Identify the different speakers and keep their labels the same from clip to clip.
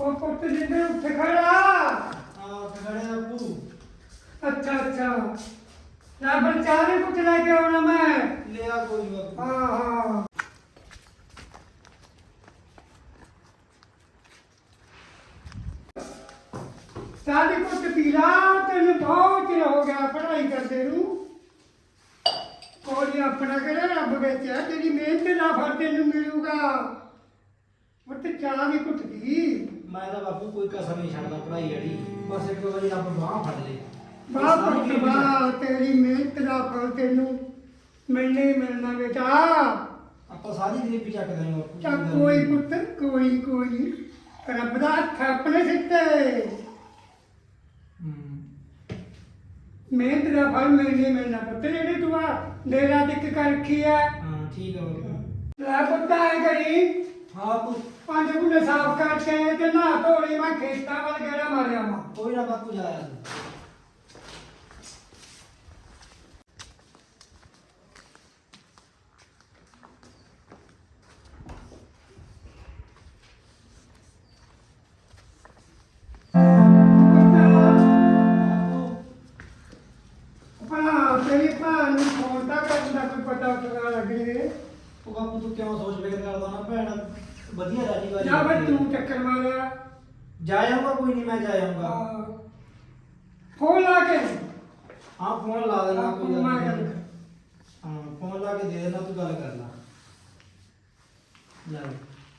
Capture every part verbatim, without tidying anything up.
Speaker 1: ਉਹ ਪੁੱਤ ਜਿੰਦੇ ਉੱਠ ਖੜਾ।
Speaker 2: ਹਾਂ ਉੱਠ ਖੜੇ ਅੱਬੂ।
Speaker 1: ਅੱਛਾ ਅੱਛਾ ਨਾ ਪਰ ਚਾਹ ਵੀ ਕੁਝ ਲੈ ਕੇ ਆਉਣਾ ਮੈਂ।
Speaker 2: ਲਿਆ ਕੋਈ ਬਾਪੂ।
Speaker 1: ਹਾਂ ਹਾਂ ਚਾਹ ਦੀ ਕੁਝ ਪੀ ਲਾ। ਤੈਨੂੰ ਬਹੁਤ ਚਿਰ ਹੋ ਗਿਆ ਪੜ੍ਹਾਈ ਕਰਦੇ ਨੂੰ। ਕੋਈ ਆਪਣਾ ਕਿਹੜਾ ਰੱਬ ਵਿੱਚ ਹੈ ਤੇਰੀ ਮਿਹਨਤ ਦਾ ਫਲ ਤੈਨੂੰ ਮਿਲੂਗਾ। ਪੁੱਤ ਚਾਹ ਵੀ ਕੁਝ ਪੀ।
Speaker 2: ਮੈਂ ਤਾਂ ਬਾਪੂ ਕੋਈ ਕਸਰ ਨਹੀਂ ਛੱਡਦਾ ਪੜ੍ਹਾਈ ਵਾਲੀ। ਬਸ ਇੱਕ ਵਾਰੀ ਰੱਬ ਬਾਂਹ ਫੜ ਲੇ।
Speaker 1: ਵਾਹ ਪੁੱਤ ਵਾਹ ਤੇਰੀ ਮਿਹਨਤ ਦਾ ਫਲ ਤੈਨੂੰ ਮਿਲਣਾ ਹੀ ਮਿਲਣਾ ਬੇਟਾ।
Speaker 2: ਆਪਾਂ ਸਾਰੀ ਗਰੀਬੀ ਚੱਕ ਦਾਂਗੇ ਬਾਪੂ।
Speaker 1: ਚੱਲ ਕੋਈ ਪੁੱਤ ਕੋਈ ਕੋਈ ਰੱਬ ਦਾ ਹੱਥ ਆਪਣੇ ਸਿਰ ਤੇ।
Speaker 2: ਹੂੰ।
Speaker 1: ਮਿਹਨਤ ਦਾ ਫਲ ਮਿਲਣਾ ਹੀ ਮਿਲਣਾ ਪੁੱਤ। ਜਿਹੜੀ ਤੂੰ ਆ ਦੇਰ ਰਾਤ ਇੱਕ ਕਰ ਰੱਖੀ ਹੈ।
Speaker 2: ਹਾਂ ਠੀਕ ਹੈ ਬਾਪੂ।
Speaker 1: ਲੈ ਪੁੱਤ ਆਏ ਕਰੀ
Speaker 2: ਹਾਂ ਬਾਪੂ।
Speaker 1: ਪੰਜ ਗੁੱਲੇ ਸਾਫ਼ ਕਰਕੇ ਤੇ ਨਹਾ ਧੋਲੀ ਮੈਂ ਖੇਤਾਂ ਵੱਲ ਗੇੜਾ ਮਾਰਿਆ ਵਾ।
Speaker 2: ਕੋਈ ਨਾ ਬਾਪੂ ਜਾਇਆ।
Speaker 1: ਆਪਣਾ ਤੇਰੀ ਭੈਣ ਨੂੰ ਫੋਨ ਤਾਂ ਕਰਨ ਦਾ ਕੋਈ ਪਤਾ ਉਤਰਾ ਲੱਗੇ।
Speaker 2: ਉਹ ਬਾਪੂ ਤੂੰ ਕਿਉਂ ਸੋਚ ਫਿਕਰ ਕਰਦਾ ਨਾ ਭੈਣ ਵਧੀਆ ਰਾਜੀ ਵਾਲੀ।
Speaker 1: ਜਾਂ ਫਿਰ ਤੂੰ ਚੱਕਰ ਮਾਰਿਆ।
Speaker 2: ਜਾ ਆਊਂਗਾ ਕੋਈ ਨਹੀਂ ਮੈਂ ਜਾ ਆਊਂਗਾ।
Speaker 1: ਹਾਂ। ਫੋਨ ਲਾ ਕੇ
Speaker 2: ਹਾਂ ਫੋਨ ਲਾ ਦੇਣਾ ਕੋਈ ਗੱਲ
Speaker 1: ਮੈਂ
Speaker 2: ਨਹੀਂ।
Speaker 1: ਗੱਲ ਕਰ।
Speaker 2: ਹਾਂ ਫੋਨ ਲਾ ਕੇ ਦੇ ਦੇਣਾ ਤੂੰ ਗੱਲ ਕਰ ਲੈ। ਲੈ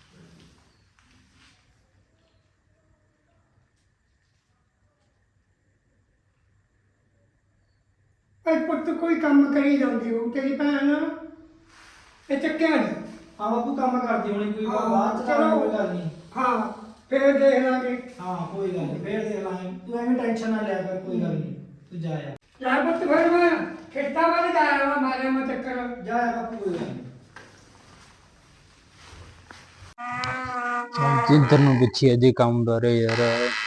Speaker 1: ਇਹ ਪੁੱਤ ਕੋਈ ਕੰਮ ਕਰੀ ਜਾਂਦੀ ਹੋ ਤੇਰੀ ਭੈਣ ਇਹ ਚੱਕਿਆ ਨਹੀਂ।
Speaker 2: ਹਾਂ ਬਾਪੂ ਕੰਮ ਕਰਦੀ ਹੋਣੀ ਕੋਈ
Speaker 1: ਹਾਂ,
Speaker 2: ਬਾਅਦ ਚ
Speaker 1: ਚਲੋ।
Speaker 2: ਕੋਈ ਗੱਲ ਨਹੀਂ।
Speaker 1: ਹਾਂ ਫੇਰ ਦੇਖ ਲਾਂਗੇ।
Speaker 2: ਹਾਂ ਕੋਈ ਗੱਲ ਨਹੀਂ ਫੇਰ ਦੇਖ ਲਾਂਗੇ। ਤੂੰ ਐਵੇਂ ਟੈਨਸ਼ਨ ਨਾ ਲਿਆ ਕਰ ਕੋਈ ਗੱਲ ਨਹੀਂ। ਤੂੰ ਜਾ ਆ।
Speaker 1: ਲੈ ਪੁੱਤ ਫਿਰ ਮੈਂ ਖੇਤਾਂ ਵੱਲ ਜਾਇਆ ਵਾ ਮਾਰਿਆ ਮੈਂ ਚੱਕਰ।
Speaker 2: ਜਾ ਆ ਬਾਪੂ ਕੋਈ ਗੱਲ ਨਹੀਂ।
Speaker 3: ਚੱਲ ਜਿੱਧਰ ਨੂੰ ਪਿੱਛੇ ਅਜੇ ਕੰਮ ਬਾਰੇ ਯਾਰ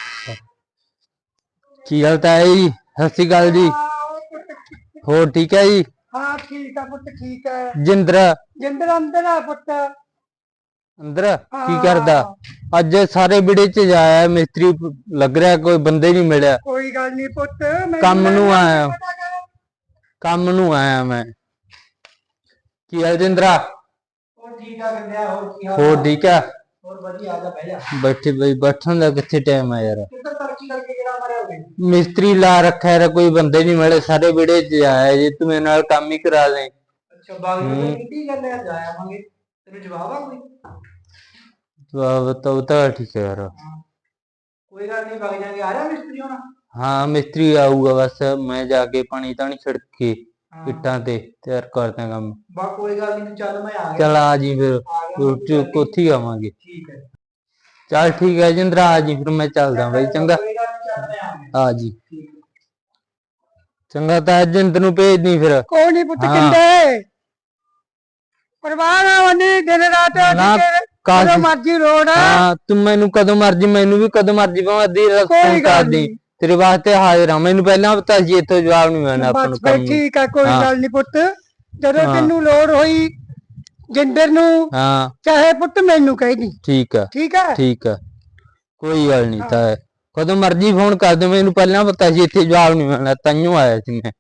Speaker 3: ਕੀ ਹਾਲ ਤਾਂ ਹੈ ਜੀ। ਸਤਿ ਸ਼੍ਰੀ ਅਕਾਲ ਜੀ। ਹੋਰ ਠੀਕ ਹੈ ਜੀ।
Speaker 1: ਹਾਂ ਠੀਕ ਆ ਪੁੱਤ ਠੀਕ ਹੈ।
Speaker 3: ਜਿੰਦਰ
Speaker 1: ਜਿੰਦਰ ਅੰਦਰ ਆ ਪੁੱਤ।
Speaker 3: ਅੰਦਰ ਕੀ ਕਰਦਾ ਅੱਜ ਸਾਰੇ ਵਿੜੇ ਚ ਜਾਇਆ ਮਿਸਤਰੀ ਲੱਗ ਰਿਹਾ ਕੋਈ ਬੰਦੇ ਨਹੀਂ ਮਿਲਿਆ।
Speaker 1: ਕੋਈ ਗੱਲ ਨਹੀਂ ਪੁੱਤ ਮੈਨੂੰ
Speaker 3: ਕੰਮ ਨੂੰ
Speaker 1: ਨਾ
Speaker 3: ਆਇਆ।
Speaker 1: ਪਤਾ ਕਰ।
Speaker 3: ਕੰਮ ਨੂੰ ਆਇਆ ਮੈਂ। ਕੀ ਹਾਲ ਜਿੰਦਰਾ।
Speaker 2: ਹੋਰ ਠੀਕ ਆ ਕੰਦਿਆ ਹੋਰ ਕੀ ਹਾਲ
Speaker 3: ਹੋਰ ਠੀਕ ਆ।
Speaker 2: ਹੋਰ ਵਧੀਆ ਆ ਜਾ ਬਹਿ ਜਾ।
Speaker 3: ਬੈਠੇ ਬਈ ਬੈਠਣ ਦਾ ਕਿੱਥੇ ਟਾਈਮ ਆ ਯਾਰ।
Speaker 2: ਕਿੱਧਰ ਤਰੱਕੀ ਕਰਕੇ ਕਿਹੜਾ ਮਾਰਿਆ ਹੋਵੇ।
Speaker 3: ਮਿਸਤਰੀ ਲਾ ਰੱਖਿਆ ਯਾਰ ਕੋਈ ਬੰਦੇ ਨਹੀਂ ਮਿਲੇ ਸਾਰੇ ਵਿੜੇ ਚ ਆਇਆ ਜੇ ਤੂੰ ਮੇਰੇ ਨਾਲ ਕੰਮ ਹੀ ਕਰਾ ਦੇ।
Speaker 2: ਅੱਛਾ ਬਾਗ
Speaker 3: ਹੂੰ।
Speaker 2: ਵਿੱਚ ਕਿੱਡੀ ਗੱਲ ਹੈ ਜਾ ਆਵਾਂਗੇ। ਤੈਨੂੰ ਜਵਾਬ ਆ ਕੋਈ।
Speaker 3: ਜਵਾਬ ਤਾਂ ਤਾਂ ਠੀਕ ਹੈ ਯਾਰ।
Speaker 2: ਕੋਈ ਗੱਲ ਨਹੀਂ ਵਗ ਜਾਾਂਗੇ। ਆ ਰਿਹਾ ਮਿਸਤਰੀ ਹੁਣ।
Speaker 3: ਹਾਂ ਮਿਸਤਰੀ ਆਊਗਾ ਬਸ ਮੈਂ ਜਾ ਕੇ ਪਾਣੀ ਤਾਣੀ ਛਿੜਕ ਕੇ
Speaker 2: ਹਾਂ।
Speaker 3: ਇੱਟਾਂ ਤੇ ਤਿਆਰ ਕਰਦੇ ਕੰਮ।
Speaker 2: ਬਾ ਕੋਈ ਗੱਲ ਨਹੀਂ ਤੂੰ ਚੱਲ ਮੈਂ ਆ ਗਿਆ।
Speaker 3: ਚੱਲ ਆ ਜੀ ਫਿਰ
Speaker 2: ਆ ਗਿਆ,
Speaker 3: ਰੋਟੀ
Speaker 2: ਕੋਈ ਗੱਲ ਨੀ।
Speaker 3: ਕੋਠੀ ਆਵਾਂਗੇ।
Speaker 2: ਠੀਕ ਹੈ।
Speaker 3: ਚੱਲ ਠੀਕ ਹੈ ਜਿੰਦਰਾ ਆ ਜੀ ਫਿਰ ਮੈਂ ਚੱਲਦਾ ਬਈ ਚੰਗਾ।
Speaker 2: ਕੋਈ ਗੱਲ ਨੀ, ਚੱਲ ਮੈਂ ਆ ਗਿਆ।
Speaker 3: ਆ ਜੀ
Speaker 2: ਠੀਕ ਹੈ।
Speaker 3: ਚੰਗਾ ਤਾਂ ਜਿੰਦ ਨੂੰ ਭੇਜ ਦੀ ਫਿਰ।
Speaker 1: ਕੋਈ ਨਹੀਂ ਪੁੱਤ
Speaker 3: ਹਾਂ।
Speaker 1: ਕਿੰਦੇ ਪਰਵਾਹ ਵੰਨੀ ਦਿਨ ਰਾਤ
Speaker 3: ਨਾ,
Speaker 1: ਜਦੋਂ
Speaker 3: ਕਾਸ਼-
Speaker 1: ਮਰਜੀ ਰੋਡ ਆ।
Speaker 3: ਹਾਂ ਤੂੰ ਮੈਨੂੰ ਕਦੋਂ ਮਰਜੀ ਮੈਨੂੰ ਵੀ ਕਦੋਂ ਮਰਜੀ ਭਾਵੇਂ ਅੱਧੀ ਰਾਤ
Speaker 1: ਕੋਈ
Speaker 3: ਫੋਨ ਕਰ
Speaker 1: ਗੱਲ
Speaker 3: ਦੀ
Speaker 1: ਨੀ।
Speaker 3: ਤੇਰੇ ਵਾਸਤੇ ਹਾਜ਼ਰ ਹਾਂ। ਮੈਨੂੰ ਪਹਿਲਾਂ ਪਤਾ ਸੀ ਇੱਥੋਂ ਜਵਾਬ ਨਹੀਂ ਮਿਲਣਾ ਆਪਾਂ ਨੂੰ
Speaker 1: ਬਸ
Speaker 3: ਕੰਮ
Speaker 1: ਫਿਰ
Speaker 3: ਨੂੰ।
Speaker 1: ਠੀਕ ਆ ਕੋਈ
Speaker 3: ਹਾਂ।
Speaker 1: ਗੱਲ ਨਹੀਂ ਪੁੱਤ ਜਦੋਂ
Speaker 3: ਹਾਂ।
Speaker 1: ਤੈਨੂੰ ਲੋੜ ਹੋਈ ਜਿੰਦਰ ਨੂੰ
Speaker 3: ਹਾਂ
Speaker 1: ਚਾਹੇ ਪੁੱਤ ਮੈਨੂੰ ਕਹਿ ਦੀ।
Speaker 3: ਠੀਕ ਆ
Speaker 1: ਠੀਕ ਹੈ
Speaker 3: ਠੀਕ ਆ ਕੋਈ ਗੱਲ ਨਹੀਂ ਤਾਂ ਕਦੋਂ ਮਰਜੀ ਫੋਨ ਕਰ ਦੇ ਮੈਨੂੰ ਪਹਿਲਾਂ ਪਤਾ ਸੀ ਇੱਥੇ ਜਵਾਬ ਨਹੀਂ ਮਿਲਣਾ ਤਾਈਓ ਆਇਆ ਸੀ ਮੈਂ।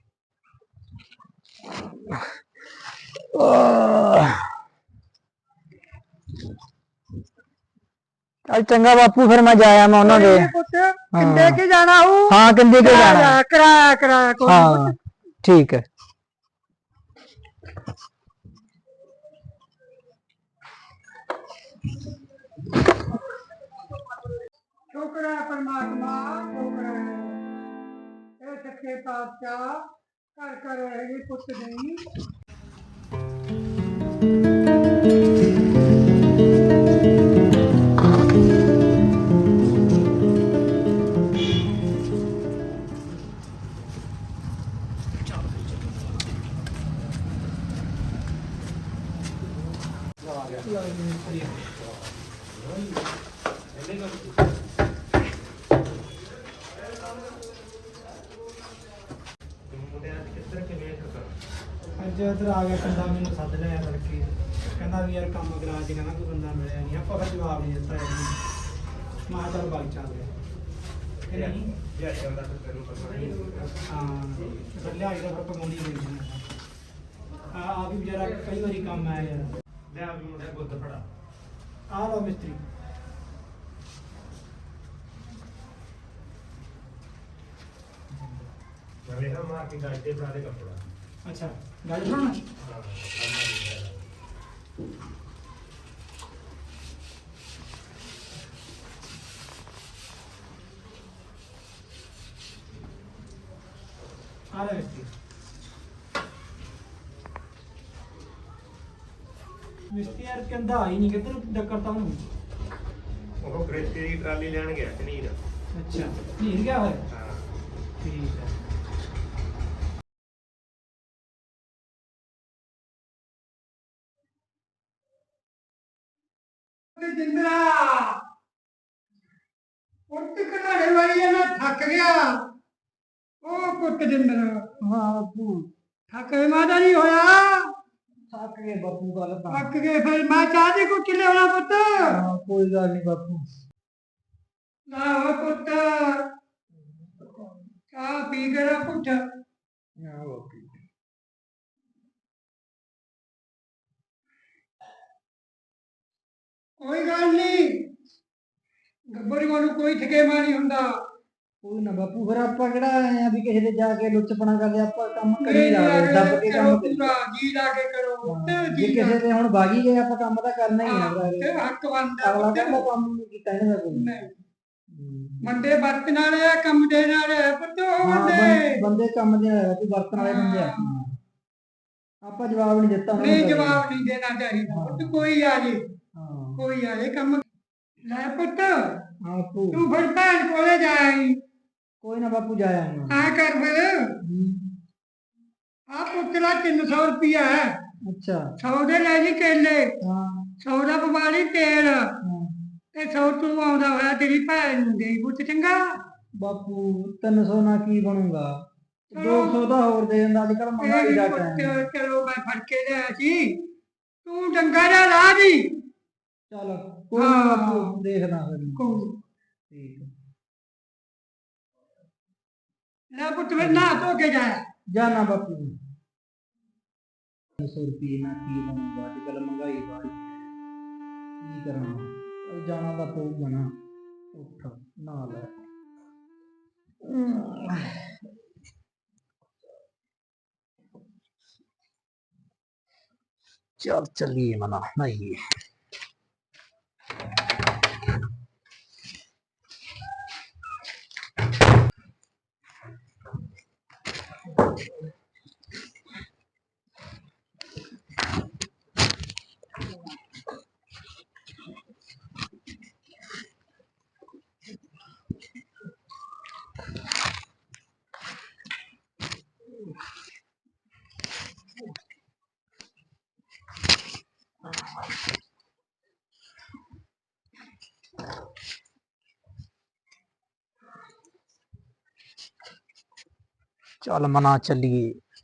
Speaker 4: ਚੱਲ ਚੰਗਾ ਬਾਪੂ ਫਿਰ ਮੈਂ ਜਾਇਆ ਮੈਂ ਉਹਨਾਂ ਦੇ।
Speaker 1: ਪੁੱਤ ਕਿੰਦੇ ਕੇ ਜਾਣਾ ਹੂੰ।
Speaker 4: ਹਾਂ ਕਿੰਦੇ ਕੇ ਜਾਣਾ।
Speaker 1: ਕਰਾਇਆ ਕਰਾਇਆ ਕੋਈ ਨੀ
Speaker 4: ਹਾਂ
Speaker 1: ਪੁੱਤ।
Speaker 4: ਠੀਕ ਹੈ।
Speaker 1: ਸ਼ੁਕਰ ਹੈ ਪਰਮਾਤਮਾ ਸ਼ੁਕਰ ਹੈ ਇਹ ਸੱਚੇ ਪਾਤਸ਼ਾਹ ਘਰ ਘਰ ਰਹੇ ਪੁੱਤ ਨਹੀਂ।
Speaker 2: ਅੱਜ ਇੱਧਰ ਆ ਗਿਆ ਕੰਦਾ ਮੈਨੂੰ ਸੱਦ ਲਿਆ ਤੜਕੇ। ਕਹਿੰਦਾ ਵੀ ਯਾਰ ਕੰਮ ਕਰਾ ਚ ਕਹਿੰਦਾ ਕੋਈ ਬੰਦਾ ਮਿਲਿਆ ਨਹੀਂ। ਆਪਾਂ ਫਿਰ ਜਵਾਬ ਨਹੀਂ ਦਿੱਤਾ ਇਹਨੂੰ। ਮੈਂ ਕਿਹਾ ਚੱਲ ਬਾਈ ਚੱਲਦੇ ਆ ਕਿ ਨਹੀਂ
Speaker 5: ਯਾਰ ਚੱਲਦਾ ਫਿਰ ਤੈਨੂੰ ਪਤਾ ਨਹੀਂ
Speaker 2: ਹਾਂ ਫਿਰ ਲਿਆਈ ਦਾ ਫਿਰ ਪਕਾਉਂਦੀ ਗਈ ਆ ਆ ਵੀ ਵਿਚਾਰਾ ਕਈ ਵਾਰੀ ਕੰਮ ਆਇਆ ਯਾਰ
Speaker 5: ਲੈ ਆ ਵੀ ਮੁੰਡੇ ਗੁੱਦ ਫੜਾ
Speaker 2: ਆ ਲਓ ਮਿਸਤਰੀ
Speaker 5: ਨਵੇਂ ਹਾਂ ਮਾਰ ਕੇ ਗੱਜ ਤੇ ਫੜਾ ਦੇ ਕੱਪੜਾ
Speaker 2: ਅੱਛਾ ਗੱਲ ਸੁਣ
Speaker 5: ਹਾਂ
Speaker 2: ਆ ਲੈ ਮਿਸਤਰੀ ਮਿਸਤਰੀ ਯਾਰ ਕਹਿੰਦਾ ਹੀ ਨਹੀਂ ਕਿੱਧਰ ਡੱਕਰਤਾ ਉਹਨੂੰ
Speaker 5: ਉਹ ਗ੍ਰੇਤੀ ਦੀ ਟਰਾਲੀ ਲੈਣ ਗਿਆ ਕਨੀਰ
Speaker 2: ਅੱਛਾ ਨੀਰ ਗਿਆ ਹੋਇਆ
Speaker 5: ਹਾਂ
Speaker 2: ਠੀਕ ਹੈ
Speaker 1: ਤੇ ਜਿੰਦਰਾ ਉੱਠ ਘੜਾੜੇ ਵਾਲੀ ਆ ਨਾ ਥੱਕ ਗਿਆ ਉਹ ਪੁੱਤ ਜਿੰਦਰਾ
Speaker 2: ਹਾਂ ਬਾਪੂ
Speaker 1: ਥੱਕ ਗਏ ਮਾਦਾ ਨਹੀਂ ਹੋਇਆ
Speaker 2: ਥੱਕ ਗਏ ਬਾਪੂ ਗੱਲ ਤਾਂ
Speaker 1: ਥੱਕ ਗਏ ਫਿਰ ਮੈਂ ਚਾਹ ਦੀ ਕੁੱਟ ਲਿਆਉਣਾ ਪੁੱਤ
Speaker 2: ਹਾਂ, ਕੋਈ ਗੱਲ ਨਹੀਂ ਬਾਪੂ
Speaker 1: ਨਾ ਹੋ ਪੁੱਤ ਚਾਹ ਪੀ ਕੇ ਨਾ ਪੁੱਤ
Speaker 2: ਹਾਂ ਬਾਪੂ
Speaker 1: ਕੋਈ ਗੱਲ ਨਹੀਂ ਗੱਬਰ ਨੂੰ ਕੋਈ ਠਕੇਮਾ ਨਹੀਂ ਹੁੰਦਾ
Speaker 2: ਕੋਈ ਨਾ ਬਾਪੂ ਫਿਰ ਆਪਾਂ ਕਿਹੜਾ ਆਏ ਆ ਵੀ ਕਿਸੇ ਦੇ ਜਾ ਕੇ ਲੁੱਚਪਣਾ ਕਰਦੇ ਆਪਾਂ ਕੰਮ ਕਰੀ
Speaker 1: ਨਹੀਂ
Speaker 2: ਜਾਵੇ ਦੱਬ ਕੇ
Speaker 1: ਕਰੋ
Speaker 2: ਕੰਮ ਕਰੀ
Speaker 1: ਪੂਰਾ ਜੀ ਲਾ ਕੇ ਕਰੋ ਪੁੱਤ
Speaker 2: ਜੇ
Speaker 1: ਜੀ
Speaker 2: ਕਿਸੇ ਤੇ ਹੁਣ ਬਾਗੀ ਗਏ ਆਪਾਂ ਕੰਮ ਤਾਂ ਕਰਨਾ ਹੀ ਆ
Speaker 1: ਹਾਂ,
Speaker 2: ਵੀਰੇ।
Speaker 1: ਤੇ ਹੱਕ ਬਣਦਾ
Speaker 2: ਅਗਲਾ
Speaker 1: ਪੁੱਤ।
Speaker 2: ਕਹਿੰਦਾ ਕੰਮ ਨਹੀਂ ਕੀਤਾ ਇਹਨਾਂ ਦਾ ਕੋਈ
Speaker 1: ਨਹੀਂ। ਮੰਡੇ ਵਰਤਣ ਵਾਲੇ ਆ ਕੰਮ ਦੇਣ ਵਾਲੇ ਆ ਪੁੱਤ ਉਹ
Speaker 2: ਹਾਂ,
Speaker 1: ਬੰਦੇ
Speaker 2: ਬੰ- ਬੰਦੇ ਕੰਮ ਦੇ ਆ ਕੋਈ ਵਰਤਣ ਵਾਲੇ ਬੰਦੇ ਆ ਆਪਾਂ ਜਵਾਬ ਨਹੀਂ ਦਿੱਤਾ ਉਹਨਾਂ ਨੂੰ
Speaker 1: ਨਹੀਂ
Speaker 2: ਕਦੇ।
Speaker 1: ਜਵਾਬ ਨਹੀਂ ਦੇਣਾ ਚਾਹੀਦਾ ਪੁੱਤ ਕੋਈ ਆ ਜੇ
Speaker 2: ਹਾਂ
Speaker 1: ਕੋਈ ਆ ਜੇ ਕੰਮ ਲੈ ਪੁੱਤ
Speaker 2: ਹਾਂ ਬਾਪੂ
Speaker 1: ਤੂੰ ਫਿਰ ਭੈਣ ਕੋਲੇ ਜਾਈ
Speaker 2: ਕੋਈ ਨਾ ਬਾਪੂ ਜਾਇਆ ਹੁਣ
Speaker 1: ਆ ਕਰ ਫਿਰ ਆ ਪੁੱਤ ਦਾ ਤਿੰਨ ਸੌ ਰੁਪਿਆ ਹੈ
Speaker 2: ਅੱਛਾ
Speaker 1: ਸੌ ਦੇ ਲੈ ਜੀ ਕੇਲੇ
Speaker 2: ਹਾਂ
Speaker 1: ਸੌ ਦਾ ਪਵਾ ਲਈ ਤੇਲ
Speaker 2: ਹਾਂ।
Speaker 1: ਤੇ ਸੌ ਤੂੰ ਆਉਂਦਾ ਹੋਇਆ ਤੇਰੀ ਭੈਣ ਨੂੰ ਦੇ ਪੁੱਤ ਚੰਗਾ
Speaker 2: ਬਾਪੂ ਤਿੰਨ ਸੌ ਨਾਲ ਕੀ ਬਣੂਗਾ
Speaker 1: ਚਲੋ।
Speaker 2: ਦੋ ਸੌ ਦਾ ਹੋਰ ਦੇ ਦਿੰਦਾ ਅੱਜ ਕੱਲ ਮਹਿੰਗਾਈ ਦਾ ਟਾਈਮ ਹੈ।
Speaker 1: ਪੁੱਤ ਚਲੋ ਮੈਂ ਫੜ ਕੇ ਲਿਆ ਸੀ ਤੂੰ ਡੰਗਾ ਦਾ ਲਾ ਦੀ
Speaker 2: ਚੱਲ ਕੋਈ ਨਾ
Speaker 1: ਹਾਂ।
Speaker 2: ਬਾਪੂ ਦੇਖਦਾ ਫਿਰ ਮੈਂ।
Speaker 1: ਕੋਈ
Speaker 2: ਠੀਕ ਹੈ
Speaker 1: ਲੈ ਪੁੱਤ ਫਿਰ ਨਾ ਧੋ ਕੇ ਜਾ
Speaker 2: ਜਾਣਾ ਬਾਪੂ ਤਿੰਨ ਸੌ ਰੁਪਏ ਨਾਲ ਕੀ ਬਣੂਗਾ ਅੱਜ ਕੱਲ ਮਹਿੰਗਾਈ ਵਾਲੀ ਕੀ ਕਰਾਂ ਉਹ ਜਾਣਾ ਦਾ ਪਊਗਾ ਨਾ ਉੱਠ ਨਾ ਲੈ चल चलिए मना नहीं चल मना चलिए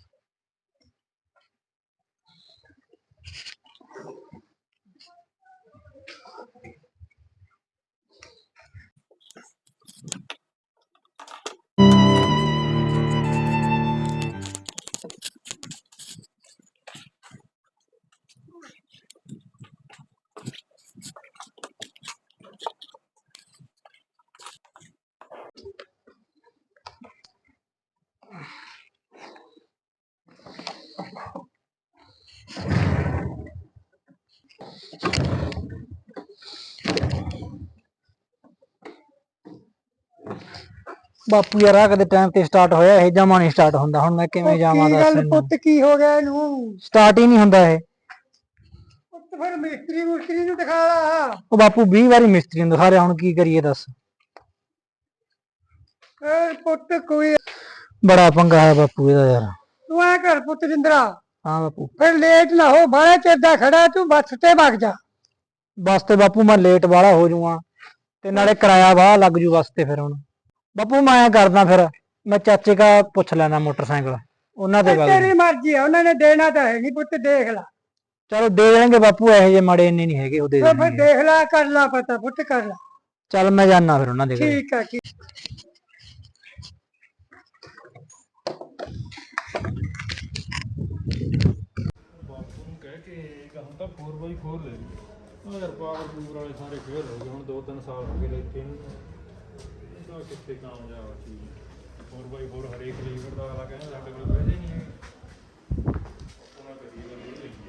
Speaker 2: ਬਾਪੂ ਯਾਰ ਆ ਕਦੇ ਟਾਈਮ ਤੇ ਸਟਾਰਟ ਹੋਇਆ ਇਹ ਜਮਾ ਨਹੀਂ ਸਟਾਰਟ ਹੁੰਦਾ ਹੁਣ ਮੈਂ ਕਿਵੇਂ ਜਾਵਾਂ
Speaker 1: ਕੀ
Speaker 2: ਦੱਸ
Speaker 1: ਗੱਲ
Speaker 2: ਮੈਨੂੰ
Speaker 1: ਪੁੱਤ ਕੀ ਹੋ ਗਿਆ ਇਹਨੂੰ
Speaker 2: ਸਟਾਰਟ ਹੀ ਨਹੀਂ ਹੁੰਦਾ ਇਹ
Speaker 1: ਪੁੱਤ ਫਿਰ ਮਿਸਤਰੀ ਮੁਸਤਰੀ ਨੂੰ ਦਿਖਾ ਲਾ
Speaker 2: ਉਹ ਬਾਪੂ ਵੀਹ ਵਾਰੀ ਮਿਸਤਰੀ ਨੂੰ ਦਿਖਾ ਰਿਹਾ ਹੁਣ ਕੀ ਕਰੀਏ ਦੱਸ
Speaker 1: ਏ ਪੁੱਤ ਕੋਈ
Speaker 2: ਬੜਾ ਪੰਗਾ ਹੈ ਬਾਪੂ ਇਹਦਾ ਯਾਰ
Speaker 1: ਤੂੰ ਐ ਕਰ ਪੁੱਤ ਜਿੰਦਰਾ
Speaker 2: ਹਾਂ ਬਾਪੂ
Speaker 1: ਫਿਰ ਲੇਟ ਨਾ ਹੋ ਬਾਹਲਾ ਚਿਰ ਦਾ ਖੜਾ ਤੂੰ ਬੱਸ ਤੇ ਵਗ ਜਾ
Speaker 2: ਬੱਸ ਤੇ ਬਾਪੂ ਮੈਂ ਲੇਟ ਵਾਲਾ ਹੋ ਜਾਊਂਗਾ ਤੇ ਨਾਲੇ ਕਿਰਾਇਆ ਵਾਹ ਲੱਗ ਜੂ ਬੱਸ ਤੇ ਫਿਰ ਹੁਣ ਬਾਪੂ ਮੈਂ ਐਂ ਕਰਦਾ ਫਿਰ ਮੈਂ ਚਾਚੇ ਕਾ ਪੁੱਛ ਲੈਣਾ ਮੋਟਰਸਾਈਕਲ ਉਹਨਾਂ ਦੇ
Speaker 1: ਇਹ
Speaker 2: ਗੱਲ
Speaker 1: ਤੇਰੀ ਮਰਜ਼ੀ ਆ ਉਹਨਾਂ ਨੇ ਦੇਣਾ ਤਾਂ ਹੈ ਨਹੀਂ ਪੁੱਤ ਦੇਖ ਲੈ
Speaker 2: ਚਲੋ ਦੇ ਦੇਣਗੇ ਬਾਪੂ ਇਹੋ ਜਿਹੇ ਮਾੜੇ ਇੰਨੇ ਨਹੀਂ ਹੈਗੇ ਉਹ ਦੇ
Speaker 1: ਫਿਰ ਫਿਰ
Speaker 2: ਦੇਣਗੇ
Speaker 1: ਦੇਖ ਲੈ ਕਰ ਲੈ ਪਤਾ ਪੁੱਤ ਕਰ ਲੈ
Speaker 2: ਚੱਲ ਮੈਂ ਜਾਣਾ ਫਿਰ ਉਹਨਾਂ ਦੇ ਘਰੇ।
Speaker 1: ਠੀਕ ਹੈ ਠੀਕ
Speaker 6: ਬਾਪੂ ਨੂੰ ਕਹਿ ਕੇ ਹੁਣ ਤਾਂ ਫੋਰ ਬਾਈ ਫੋਰ ਲੈ ਲਈ ਉਹ ਯਾਰ ਪਾਵਰ ਪੂਰ ਵਾਲੇ ਸਾਰੇ ਫੇਰ ਹੋ ਗਏ ਹੁਣ ਦੋ ਤਿੰਨ ਸਾਲ ਹੋ ਗਏ ਇੱਥੇ ਨੂੰ ਇਹਦਾ ਕਿੱਥੇ ਕਾਮਯਾਬ ਆ ਚੀਜ਼ ਫੋਰ ਬਾਈ ਫੋਰ ਹਰੇਕ ਲੀਵਰ ਦਾ ਅਗਲਾ ਕਹਿੰਦਾ ਸਾਡੇ ਕੋਲ ਪੈਸੇ ਨਹੀਂ ਹੈਗੇ ਉਹਨਾਂ ਕਰੀ ਗੱਲ ਇਹ ਲਈਏ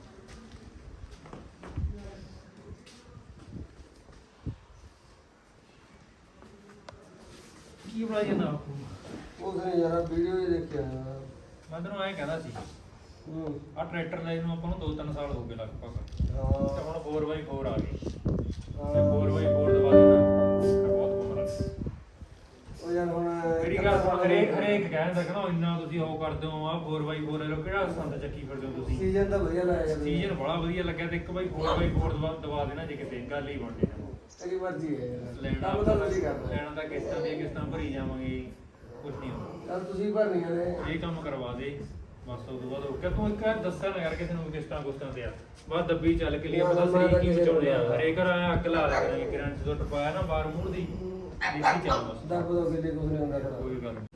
Speaker 6: ਕੀ ਬਣਾਈ ਜਾਂਦਾ ਬਾਪੂ
Speaker 7: ਉਹਨੇ ਯਾਰ ਵੀਡੀਓ ਹੀ ਦੇਖਿਆ
Speaker 6: ਮੈਂ ਤੈਨੂੰ ਐਂ ਕਹਿੰਦਾ ਸੀ
Speaker 7: ਹੂੰ
Speaker 6: ਆ ਟਰੈਕਟਰ ਲੈ ਨੂੰ ਆਪਾਂ ਨੂੰ ਦੋ ਤਿੰਨ ਸਾਲ ਹੋ ਗਏ ਲਗਭਗ ਤੇ
Speaker 7: ਹਾਂ
Speaker 6: ਹੁਣ ਫੋਰ ਬਾਈ ਫੋਰ ਆ ਗਈ ਤੇ
Speaker 7: ਹਾਂ।
Speaker 6: ਫੋਰ ਬਾਈ ਫੋਰ ਦਵਾ ਦੇਣਾ ਤੇ ਬਹੁਤ ਬਹੁਤ ਲੱਗ
Speaker 7: ਉਹ ਯਾਰ ਹੁਣ
Speaker 6: ਮੇਰੀ ਗੱਲ ਸੁਣ ਹਰੇਕ ਹਰੇਕ ਕਹਿੰਦਾ ਕਹਿੰਦਾ ਇੰਨਾ ਤੁਸੀਂ ਉਹ ਕਰਦੇ ਹੋ ਆ ਫੋਰ ਬਾਈ ਫੋਰ ਲੈ ਲਓ ਕਿਹੜਾ ਸੰਦ ਚੱਕੀ ਫਿਰਦੇ ਹੋ ਤੁਸੀਂ
Speaker 7: ਸੀਜ਼ਨ ਤਾਂ ਵਧੀਆ ਲਾਇਆ ਯਾਰ
Speaker 6: ਸੀਜ਼ਨ ਬੜਾ ਵਧੀਆ ਲੱਗਿਆ ਤੇ ਇੱਕ ਬਾਈ ਫੋਰ ਬਾਈ ਫੋਰ ਦਵਾ ਦਵਾ ਦੇਣਾ ਜੇ ਕਿਤੇ ਗੱਲ ਹੀ ਬਣਦੀ ਨਾ
Speaker 7: ਤੇਰੀ ਮਰਜ਼ੀ ਹੈ ਯਾਰ
Speaker 6: ਲੈਣਾ
Speaker 7: ਕੰਮ ਤਾਂ ਤੁਸੀਂ ਕਰਨਾ
Speaker 6: ਲੈਣਾ ਤਾਂ ਕਿਸ਼ਤਾਂ ਦੀਆਂ ਕਿਸ਼ਤਾਂ ਭਰੀ ਜਾਵਾਂਗੇ ਕੁਝ ਨਹੀਂ ਹੁੰਦਾ
Speaker 7: ਚੱਲ ਤੁਸੀਂ ਭਰਨੀਆਂ ਨੇ
Speaker 6: ਇਹ ਕੰਮ ਕਰਵਾ ਦੇ ਬਸ ਉਸ ਤੋਂ ਬਾਅਦ ਹੋ ਗਿਆ ਤੂੰ ਇੱਕ ਵਾਰ ਦੱਸਿਆ ਨਾ ਯਾਰ ਕਿਸੇ ਨੂੰ ਵੀ ਕਿਸ਼ਤਾਂ ਕੁਸ਼ਤਾਂ ਤੇ ਆ ਬਸ ਦੱਬੀ ਚੱਲ ਕੇ ਲਈ ਪਤਾ ਸਰੀਰ ਕੀ ਬਚਾਉਣੇ ਆ ਹਰੇਕ ਘਰ ਅੱਗ ਲਾ ਲਿਆ ਕਰਾਂਗੇ ਕਿਰਨ ਜਦੋਂ ਟਪਾਇਆ ਨਾ ਬਾਹਰ ਮੂੰਹ ਦੀ ਦੇਖੀ ਚੱਲ ਬਸ
Speaker 7: ਦਰਬ ਦੋ ਕਿਤੇ ਕੁਝ ਨਹੀਂ ਹੁੰਦਾ ਕਰਾ
Speaker 6: ਕੋਈ ਗੱਲ ਨੀ।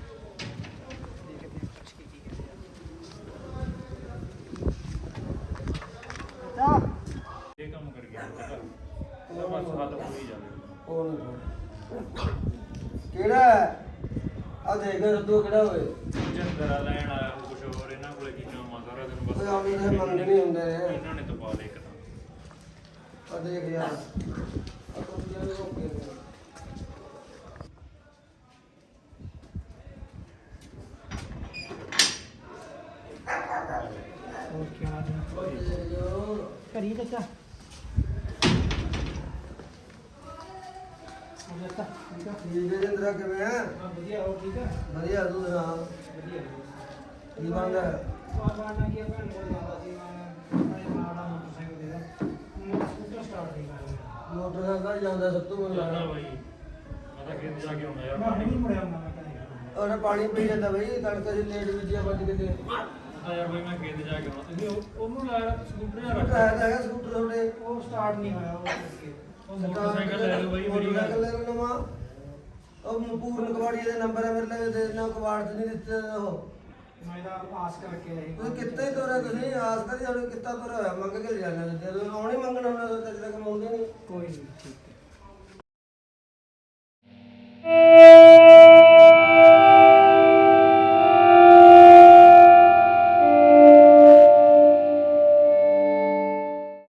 Speaker 6: ਇਹ ਕੰਮ ਕਰ ਗਿਆ ਇਹਦਾ ਬਸ ਹੱਲ ਹੋ ਹੀ ਜਾਵੇ
Speaker 7: ਉਹ ਕਿਹੜਾ ਆ ਦੇਖ ਤੂੰ ਕਿਹੜਾ ਹੋਏ
Speaker 6: ਜੰਦਰਾ ਲੈਣ ਆਇਆ ਉਹ ਕੁਝ ਹੋਰ ਇਹਨਾਂ ਕੋਲੇ ਕੀ ਕੰਮ ਆ ਸਾਰਾ ਦਿਨ ਬਸ
Speaker 7: ਉਹ ਆਮੀ ਦੇ ਮੰਗਦੇ ਨਹੀਂ ਹੁੰਦੇ ਨੇ
Speaker 6: ਇਹਨਾਂ ਨੇ ਤਪਾ ਦੇ ਇੱਕ ਤਾਂ
Speaker 7: ਆ ਦੇਖ ਯਾਰ ਆ ਤੂੰ ਜਿਹੜੇ ਓਕੇ
Speaker 2: ਹੋਰ ਕੀ ਹਾਲ ਹੈ ਕਰੀ ਚਾਚਾ
Speaker 7: ਠੀਕ ਹੈ ਜਿੰਦਰਾ ਕਿਵੇਂ ਆ
Speaker 2: ਵਧੀਆ ਹੋ ਠੀਕ ਹੈ
Speaker 7: ਵਧੀਆ ਤੂੰ ਸੁਣਾ
Speaker 2: ਵਧੀਆ
Speaker 7: ਕੀ ਬਣਦਾ
Speaker 2: ਬਾਬਾਨਾ ਕੀ ਭੈਣ ਕੋਲ ਜਾਂਦਾ ਸੀ ਮੈਂ ਮੈਂ ਮਾੜਾ ਮੋਟਰਸਾਈਕਲ ਦੇ ਦਾ ਸਕੂਟਰ ਸਟਾਰਟ ਨਹੀਂ ਕਰਦਾ
Speaker 7: ਮੋਟਰਸਾਈਕਲ ਜਾਂਦਾ ਸਭ ਤੋਂ ਮੈਨੂੰ
Speaker 6: ਜਾਣਾ
Speaker 7: ਲੱਗਦਾ
Speaker 6: ਬਾਈ ਮੈਂ ਤਾਂ ਖੇਤ ਜਾ ਕੇ ਆਉਣਾ ਯਾਰ
Speaker 2: ਮੈਂ
Speaker 6: ਪਾਣੀ
Speaker 2: ਨਹੀਂ ਮੁੜਿਆ ਹੁੰਦਾ ਮੈਂ ਕਦੇ
Speaker 7: ਉਹਨੇ ਪਾਣੀ ਪੀ ਜਾਂਦਾ ਬਈ ਤੜਕੇ ਦੀ ਲੇਟ ਵਿੱਚ ਆ ਵੱਜ ਕਿਤੇ
Speaker 6: ਆ ਯਾਰ ਬਾਈ ਮੈਂ ਖੇਤ ਜਾ ਕੇ ਆਉਣਾ ਤੁਸੀਂ ਉਹ- ਉਹਨੂੰ ਲਾਇਆ ਸਕੂਟਰ ਜਾਂ ਰੱਖ
Speaker 7: ਹੈ ਤਾਂ ਹੈਗਾ ਸਕੂਟਰ ਤੁਹਾਡੇ
Speaker 2: ਉਹ ਸਟਾਰਟ ਨਹੀਂ ਹੋਇਆ ਉਹ ਕਰਕੇ
Speaker 6: ਉਹ ਮੋਟਰਸਾਈਕਲ ਲੈ ਲਓ ਬਾਈ ਮੇਰੀ ਗੱਲ
Speaker 7: ਮੋਟਰਸਾਈਕਲ ਲੈ ਲਓ ਨਵਾਂ ਉਹ ਪੂਰਨ ਕਬਾੜੀ ਦੇ ਨੰਬਰ ਹੈ ਮੇਰੇ ਲਈ ਦੇ ਨਾ ਕਬਾੜ ਚ ਨਹੀਂ ਦਿੱਤੇ ਉਹ
Speaker 2: ਮੈਂ ਤਾਂ ਆਸ ਕਰਕੇ ਰਹੀ
Speaker 7: ਤੁਸੀਂ ਕਿੱਥੇ ਹੀ ਤੋਰਿਆ ਤੁਸੀਂ ਆਸ ਕਰੀ ਸਾਡੇ ਕਿੱਤਾ ਤੋਰਿਆ ਹੋਇਆ ਮੰਗ ਕੇ ਲਿਆ ਜਾਂਦੇ ਜਦੋਂ ਆਉਣੀ ਮੰਗਣਾ ਉਹਨਾਂ ਦਾ ਤੱਕ ਕਮਾਉਂਦੇ ਨਹੀਂ
Speaker 2: ਕੋਈ ਨਹੀਂ ਠੀਕ ਹੈ